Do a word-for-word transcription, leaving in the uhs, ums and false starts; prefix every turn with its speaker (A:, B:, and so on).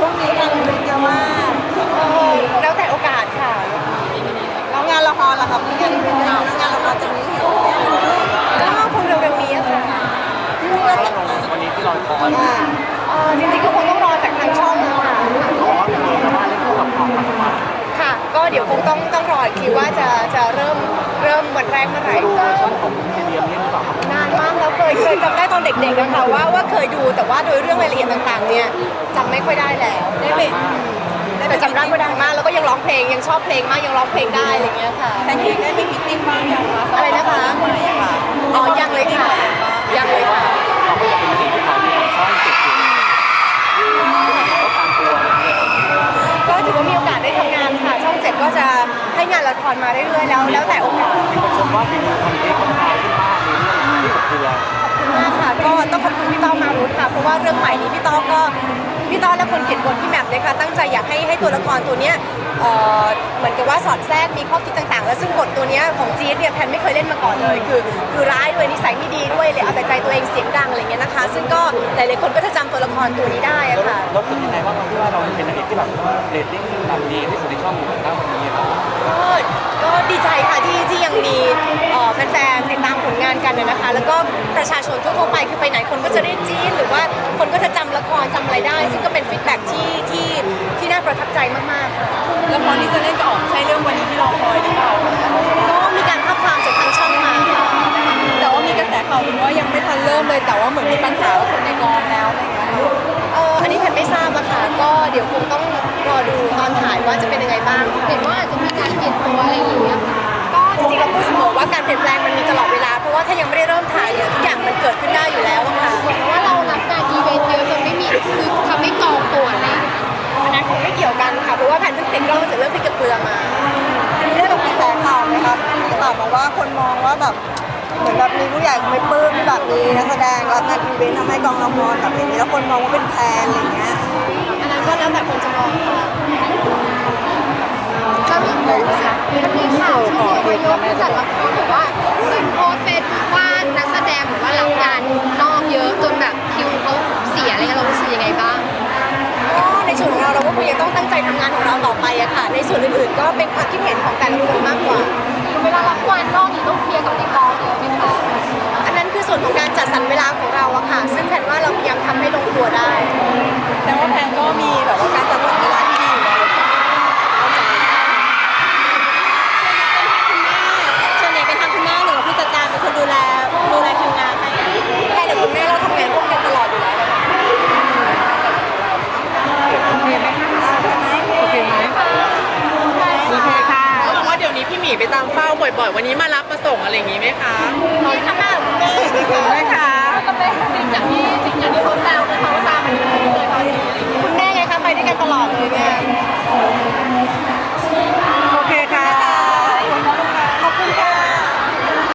A: ช่วงนี้งานอีเวนต์เยอะมาก
B: เออแล้วแต่โอกาสค่ะ
A: แล้วงานละครล่ะครับมีงานอีเวนต์เยอะแล้วงานละครจะมีเห็นไหม
B: ก็คงเร็วๆนี้อะค่ะ
A: ที่มีงานแต่งงาน
C: วันนี้ที่เราคอย
B: เออจริงๆก็คงต้องรอจากทางช่องค่ะ
C: เขาบอกว่าเป็นเรื่องว่าเล่นคู่กับความปัจจุบัน
B: ค่ะก็เดี๋ยวคงต้องต้องรออีกทีว่าจะจะเริ่มเริ่มวันแรกเมื่อไหร่
C: ดูเวอร์ชันของเทเลียมเล่นหรือเปล่าครับ
B: นานมากแล้วเคยเคยจำได้ตอนเด็กๆนะคะว่าว่าเคยดูแต่ว่าโดยเรื่องรายละเอียดต่างๆเนี่ยจำไม่ค่อยได้แล้วได้ไปแต่จำได้ก็ดังมากแล้วก็ยังร้องเพลงยังชอบเพลงมากยังร้องเพลงได้อะไรเงี้ยค่ะ
A: แต่งเองได้ไปมิตติ้งบ้างยังคะ
B: อะไรนะคะอ๋อยังเลยค่ะยังเลยค่ะ
C: เราก็จะเป็นสิ่งที่เขาเนี่ยช่องเจ็ดอยู่ก็ตามตัว
B: ก็ถือว่ามีโอกาสได้ทำงานค่ะช่องเจ็ดก็จะให้งานละครมาเรื่อยๆแล้วแล้วแต่โอกาส
C: มีคนชมว่าเป็นคอนเทนต์ค่อนข้างขึ้นมากในเรื่องที่กับเกลือ
B: ขอบคุณมากค่ะก็ต้องขอบคุณพี่ต้อมมารุธค่ะเพราะว่าเรื่องใหม่นี้พี่ต้อมก็พี่ต้อมและคนเขียนบทพี่แหม่มเลยค่ะตั้งใจอยากให้ให้ตัวละครตัวเนี้ยเอ่อเหมือนกับว่าสอดแทรกมีข้อคิดต่างๆ แล้วซึ่งบทตัวเนี้ยของจี๊ดเนี่ยแพนไม่เคยเล่นมาก่อนเลยคือคือร้ายด้วยนิสัยไม่ดีด้วยเลยเอาแต่ใจตัวเองเสียงดังอะไรเงี้ยนะคะซึ่งก็หลายๆคนก็จะจำตัวละครตัวนี้ได้อะค่ะ
C: แล้วรู้สึกยังไงว่าเราที่ว่าเราเป็นนางเอกที่แบบเรตติ้งแบบดีที่สุดในช่องอยู่ณวันนี้ครับ
B: ก็ก็ดีใจค่ะที่ที่ยังมีแฟนๆติดตามผลงานกันนะคะ แล้วก็ประชาชนทั่วๆไปคือไปไหนคนก็จะเรียกจี๊ดหรือว่าคนก็จะจำละครจำอะไรได้ ซึ่งก็เป็นฟีดแบ็กที่ที่ที่น่าประทับใจมากๆค่ะ
A: ละครที่จะเล่นจะออกใช่เรื่องวันนี้ที่เราคอยหรือเปล่า
B: ก็มีการทับความจากทางช่องมาค่ะ
A: แต่ว่ามีกระแสข่าวว่ายังไม่ทันเริ่มเลยแต่ว่าเหมือนมีปัญหากับคนในกองแล้วอะไรเงี้ย
B: เอออันนี้แพนไม่ทราบอะค่ะก็เดี๋ยวคงต้องรอดูตอนถ่ายว่าจะเป็นยังไงบ้างเห็นว่าอาจจะมีการเปลี่ยนตัวอะไรอย่างเงี้ยค่ะก็จริงๆเราพูดเสมอว่าการเปลี่ยนแปลงมันมีตลอดเวลาเพราะว่าถ้ายังไม่ได้เริ่มถ่ายเนี่ยทุกอย่างมันเกิดขึ้นได้อยู่แล้วอะค่ะ
D: เหมือนว่าเรารับงานอีเวนต์เยอะจนไม่มีคือทำให้กองตัวอะไร
B: อันนั้นคงไม่เกี่ยวกันค่ะเพราะว่าแพนเพิ่งติดกล้องจากเรื่องพริกกับเกลือมา
A: ได้แบบกระแสข่าวไหมครับมีข่าวมาว่าคนมองว่าแบบเหมือนแบบมีผู้ใหญ่ไม่ปลื้มที่แบบมีนักแสดงรับงานอีเวนต์ทำให้กองละครแบบอย่างนี้แล้วคนมองว่าเป็นแพนอะไรเงี้ย
B: อันนั้นก็แล้วแต่คนจะมองค่ะ
D: จะมีมันมีข่าวที่ว่ายกผู้จัดละครบอกว่าเหมือนโพสเฟซว่านักแสดงหรือว่ารับงานนอกเยอะจนแบบคิวเขาเสียอะไรเงี้ยเรารู้สึกยังไงบ้าง
B: ก็ในส่วนของเราเราก็คงยังต้องตั้งใจทำงานของเราต่อไปอะค่ะในส่วนอื่นๆก็เป็นความคิดเห็นของแต่ละคนมากกว่า
D: เวลารับงานนอกนี่ต้องเคลียร์กับในกองเยอะไหมคะ
B: อันนั้นคือส่วนของการจัดสรรเวลาของเราอะค่ะซึ่งแผนว่าเราพยายามทำให้ลงตัวได้
A: แต่ว่าแพนก็มีแบบว่าการจัดสรรเวลาที่ดีอยู่แล้วส่วนใหญ่เป็นทางคุณแม่หรือผู้จัดการเป็นคนดูแลดูแลคิวงานให้
B: แม่กับคุณแม่เราทำงานร่วมกันตลอดอยู่แล้วนะคะ
A: โอเคไหมคะโอเคไหมโอเคค่ะเพราะว่าเดี๋ยวนี้พี่หมีไปตามเฝ้าบ่อยๆวันนี้มารับมาส่งอะไรอย่างงี้ไหมคะ
B: ขอบคุณค่ะแม่
A: ขอบคุณค่ะ